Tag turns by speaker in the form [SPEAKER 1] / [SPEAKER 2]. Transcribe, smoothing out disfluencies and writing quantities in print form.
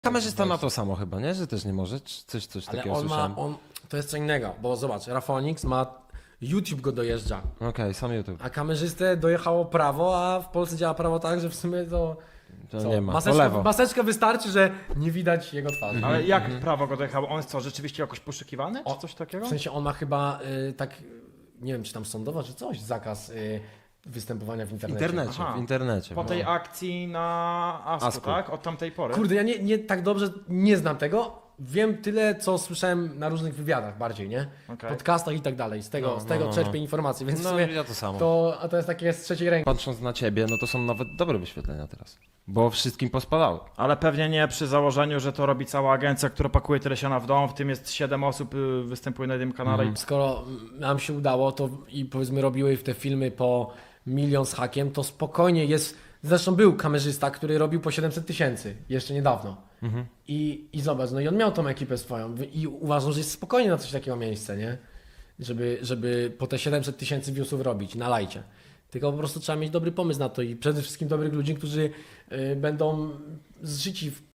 [SPEAKER 1] Kamerzysta ma to samo chyba, nie? Że też nie może? Coś
[SPEAKER 2] Ale
[SPEAKER 1] takiego
[SPEAKER 2] on
[SPEAKER 1] słyszałem.
[SPEAKER 2] to jest co innego, bo zobacz, Rafonix ma, YouTube go dojeżdża,
[SPEAKER 1] Okej, sam YouTube.
[SPEAKER 2] a kamerzystę dojechało prawo, a w Polsce działa prawo tak, że w sumie to...
[SPEAKER 1] To
[SPEAKER 2] co?
[SPEAKER 1] nie ma, to lewo.
[SPEAKER 2] Maseczka wystarczy, że nie widać jego twarzy.
[SPEAKER 3] Ale jak prawo go dojechało? On jest co, rzeczywiście jakoś poszukiwany, czy coś takiego?
[SPEAKER 2] W sensie on ma chyba tak, nie wiem czy tam sądowo, czy coś, zakaz występowania w
[SPEAKER 1] W
[SPEAKER 2] internecie.
[SPEAKER 1] internecie,
[SPEAKER 3] Aha.
[SPEAKER 1] w internecie.
[SPEAKER 3] Po
[SPEAKER 1] no.
[SPEAKER 3] tej akcji na Asku,
[SPEAKER 1] Asku.
[SPEAKER 3] tak? Od tamtej pory.
[SPEAKER 2] Kurde, ja nie tak dobrze nie znam tego. Wiem tyle, co słyszałem na różnych wywiadach bardziej, nie?
[SPEAKER 3] Okej.
[SPEAKER 2] Podcastach i tak dalej. Z tego czerpię informacje, więc w
[SPEAKER 1] No,
[SPEAKER 2] sumie
[SPEAKER 1] ja to samo.
[SPEAKER 2] to jest takie z trzeciej ręki.
[SPEAKER 1] Patrząc na ciebie, no to są nawet dobre wyświetlenia teraz. Bo wszystkim pospadały.
[SPEAKER 3] Ale pewnie nie przy założeniu, że to robi cała agencja, która pakuje tyle siana w dom, w tym jest 7 osób, występuje na jednym kanale i
[SPEAKER 2] Skoro nam się udało, to i powiedzmy robiły te filmy po 1 000 000 z hakiem, to spokojnie jest. Zresztą był kamerzysta, który robił po 700 000 jeszcze niedawno. I zobacz, no i on miał tą ekipę swoją i uważam, że jest spokojnie na coś takiego miejsce, nie? Żeby po te 700 000 viewsów robić na lajcie. Tylko po prostu trzeba mieć dobry pomysł na to i przede wszystkim dobrych ludzi, którzy będą zżyci w